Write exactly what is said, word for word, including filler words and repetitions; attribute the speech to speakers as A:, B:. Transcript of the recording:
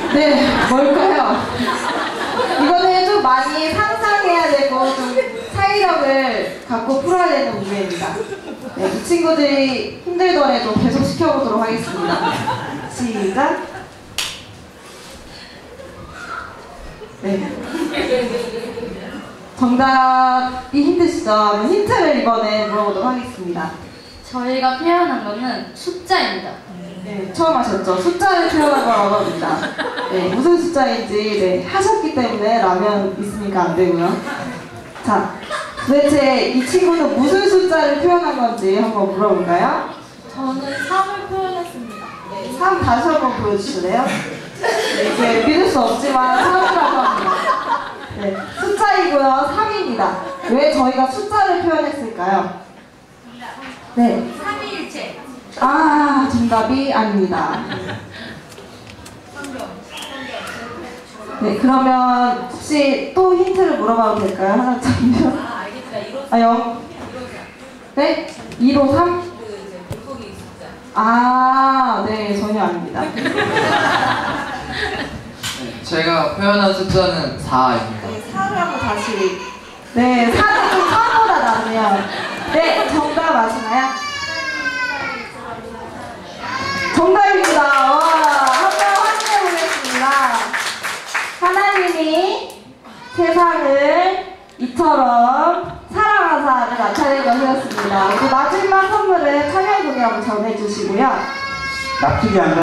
A: 네, 뭘까요? 이거는 좀 많이 상상해야 되고 좀 사이력을 갖고 풀어야 되는 문제입니다. 네, 이 친구들이 힘들더라도 계속 시켜보도록 하겠습니다. 시작. 네. 정답이 힘드시죠? 힌트를 이번에 물어보도록 하겠습니다.
B: 저희가 표현한 거는 숫자입니다.
A: 네, 처음 하셨죠? 숫자를 표현한 거라고 합니다. 네, 무슨 숫자인지 네, 하셨기 때문에 라면 있으니까 안 되고요. 자, 도대체 이 친구는 무슨 숫자를 표현한 건지 한번 물어볼까요?
B: 저는 삼을 표현했습니다.
A: 네, 삼 다시 한번 보여주실래요? 네, 이게 믿을 수 없지만 삼이라고 합니다. 네, 숫자이고요. 삼입니다. 왜 저희가 숫자를 표현했을까요? 네.
B: 삼위일체.
A: 아, 정답이 아닙니다. 네, 그러면 혹시 또 힌트를 물어봐도 될까요? 하나 잠시만요.
B: 아, 알겠습니다.
A: 아, 영. 네? 일오삼?
B: 그 이제 물고기 숫자.
A: 아, 네, 전혀 아닙니다.
C: 네, 제가 표현한 숫자는 사입니다.
A: 네, 사를 한번 다시. 네, 사는 좀 사보다 낫네요. 네, 정답 아시나요? 정답입니다. 와, 한번 확인해 보겠습니다. 하나님이 세상을 이처럼 사랑하사를 나타낸 것이었습니다. 그 마지막 선물은 찬양 공연 전해주시고요.
D: 납득이 안 가.